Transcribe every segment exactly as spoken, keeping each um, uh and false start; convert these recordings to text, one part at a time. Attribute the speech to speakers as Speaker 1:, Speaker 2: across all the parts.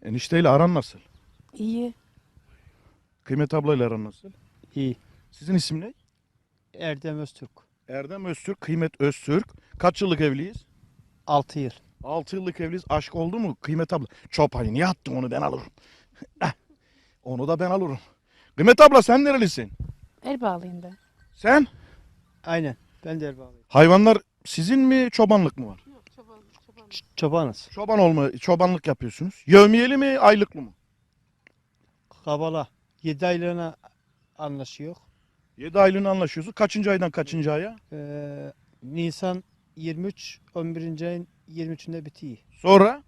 Speaker 1: Enişteyle aran nasıl?
Speaker 2: İyi.
Speaker 1: Kıymet ablayla aran nasıl?
Speaker 3: İyi.
Speaker 1: Sizin isim ne?
Speaker 3: Erdem Öztürk.
Speaker 1: Erdem Öztürk, Kıymet Öztürk. Kaç yıllık evliyiz?
Speaker 3: altı yıl.
Speaker 1: altı yıllık evliyiz. Aşk oldu mu Kıymet abla? Çopayı niye attın, onu ben alırım. Eh, onu da ben alırım. Kıymet abla sen nerelisin?
Speaker 2: Elbağlıyım ben.
Speaker 1: Sen?
Speaker 3: Aynen. Ben de Erbağlıyım.
Speaker 1: Hayvanlar sizin mi, çobanlık mı var?
Speaker 2: Yok çoban, çoban.
Speaker 3: Ç- çobanız.
Speaker 1: Çoban olma, çobanlık yapıyorsunuz. Yevmiyeli mi, aylıklı mı?
Speaker 3: Kabala. yedi aylığına anlaşıyor.
Speaker 1: yedi aylığını anlaşıyorsun. Kaçıncı aydan kaçıncı aya?
Speaker 3: Ee, Nisan yirmi üç, on birinci ayın yirmi üçünde bitiyor.
Speaker 1: Sonra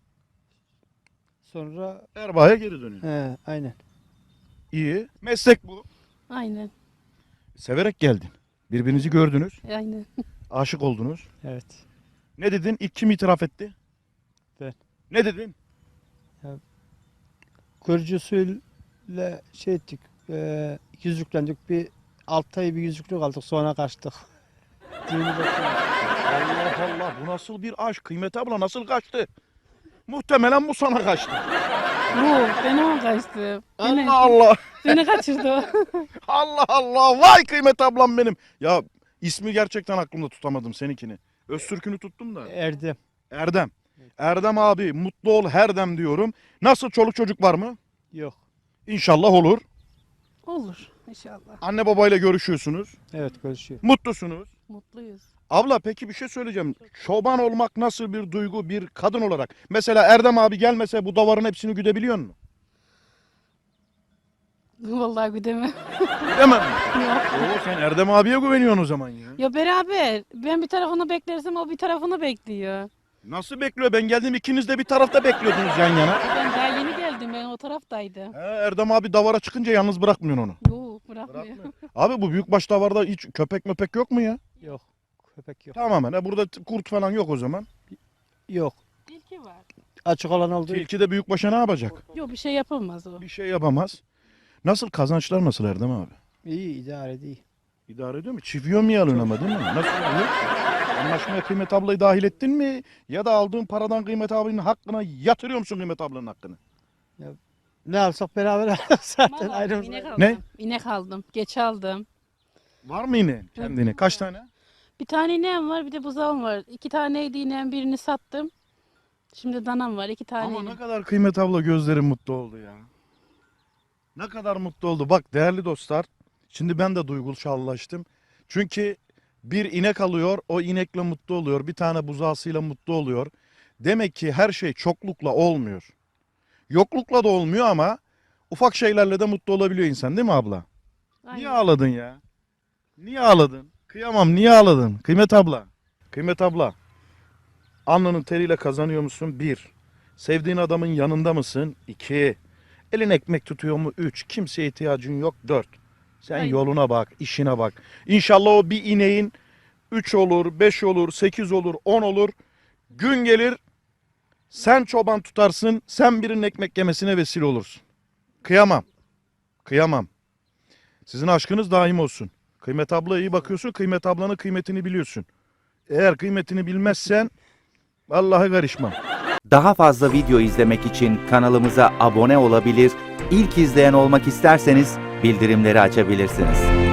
Speaker 3: Sonra
Speaker 1: Erbaa'ya geri dönüyor.
Speaker 3: he, aynen.
Speaker 1: İyi. Meslek bu.
Speaker 2: Aynen.
Speaker 1: Severek geldin. Birbirinizi gördünüz.
Speaker 2: Aynen.
Speaker 1: Aşık oldunuz.
Speaker 3: Evet.
Speaker 1: Ne dedin? İlk kim itiraf etti?
Speaker 3: Ben.
Speaker 1: Ne dedin?
Speaker 3: Görücü usulüyle şey ettik. E, yüzüklendik. Bir altı ay bir yüzüklük aldık. Sonra kaçtık. Düğünü bekledik.
Speaker 1: Allah Allah, bu nasıl bir aşk? Kıymet abla nasıl kaçtı? Muhtemelen bu sana kaçtı.
Speaker 2: Bu beni o kaçtı. Beni,
Speaker 1: Allah Allah.
Speaker 2: beni kaçırdı o.
Speaker 1: Allah Allah. Vay Kıymet ablam benim. Ya ismi gerçekten aklımda tutamadım seninkini. Öztürk'ünü tuttum da.
Speaker 3: Erdem.
Speaker 1: Erdem. Erdem abi mutlu ol herdem diyorum. Nasıl, çoluk çocuk var mı?
Speaker 3: Yok.
Speaker 1: İnşallah olur.
Speaker 2: Olur inşallah.
Speaker 1: Anne babayla görüşüyorsunuz.
Speaker 3: Evet, görüşüyor.
Speaker 1: Mutlusunuz.
Speaker 2: Mutluyuz.
Speaker 1: Abla peki bir şey söyleyeceğim. Çoban olmak nasıl bir duygu bir kadın olarak? Mesela Erdem abi gelmese bu davarın hepsini güdebiliyor musun?
Speaker 2: Vallahi güdemem.
Speaker 1: Demem.
Speaker 2: Yok.
Speaker 1: Oo, sen Erdem abiye güveniyorsun o zaman ya.
Speaker 2: Ya beraber. Ben bir tarafını beklersem o bir tarafını bekliyor.
Speaker 1: Nasıl bekliyor? Ben geldim, ikiniz de bir tarafta bekliyordunuz yan yana.
Speaker 2: Ben daha yeni geldim. Ben o taraftaydım.
Speaker 1: He, Erdem abi davara çıkınca yalnız bırakmıyorsun onu.
Speaker 2: Yok bırakmıyor.
Speaker 1: Abi bu büyükbaş davarda hiç köpek möpek yok mu ya?
Speaker 3: Yok. Köpek yok.
Speaker 1: Tamamen. He, burada t- kurt falan yok o zaman.
Speaker 3: Yok.
Speaker 2: Tilki var.
Speaker 3: Açık olan olduğu
Speaker 1: Tilki de büyükbaşa ne yapacak?
Speaker 2: Yok bir şey yapılmaz o.
Speaker 1: Bir şey yapamaz. Nasıl, kazançlar nasıl Erdem abi?
Speaker 3: iyi, idare değil.
Speaker 1: İdare ediyor mu? Çiviyor mu alıyorsun ama değil mi? Nasıl oluyor? Anlaşmaya Kıymet ablayı dahil ettin mi? Ya da aldığın paradan Kıymet abinin hakkına yatırıyor musun Kıymet ablanın hakkını?
Speaker 3: Ne alsak beraber alırız zaten
Speaker 2: Vallahi
Speaker 3: ayrımız.
Speaker 2: inek aldım.
Speaker 1: Ne?
Speaker 2: İnek aldım. Geç aldım.
Speaker 1: Var mı yine kendine? Kaç tane?
Speaker 2: Bir tane ineğim var, bir de buzağım var. İki taneydi ineğim, birini sattım. Şimdi danam var, iki tane.
Speaker 1: Ama
Speaker 2: ineğim.
Speaker 1: ne kadar Kıymet abla gözlerim mutlu oldu ya. Ne kadar mutlu oldu. Bak değerli dostlar. Şimdi ben de duygusallaştım. Çünkü bir inek alıyor, o inekle mutlu oluyor. Bir tane buzağısıyla mutlu oluyor. Demek ki her şey çoklukla olmuyor. Yoklukla da olmuyor ama ufak şeylerle de mutlu olabiliyor insan, değil mi abla? Niye
Speaker 2: Aynen.
Speaker 1: ağladın ya? Niye ağladın? Kıyamam, niye ağladın? Kıymet abla. Kıymet abla. Alnının teriyle kazanıyor musun? Bir. Sevdiğin adamın yanında mısın? İki. Elin ekmek tutuyor mu? Üç. Kimseye ihtiyacın yok? Dört. Sen
Speaker 2: Aynen.
Speaker 1: yoluna bak, işine bak. İnşallah o bir ineğin üç olur, beş olur, sekiz olur, on olur. Gün gelir sen çoban tutarsın, sen birinin ekmek yemesine vesile olursun. Kıyamam. Kıyamam. Sizin aşkınız daim olsun. Kıymet abla iyi bakıyorsun, Kıymet ablanın kıymetini biliyorsun. Eğer kıymetini bilmezsen vallahi karışmam.
Speaker 4: Daha fazla video izlemek için kanalımıza abone olabilir, ilk izleyen olmak isterseniz bildirimleri açabilirsiniz.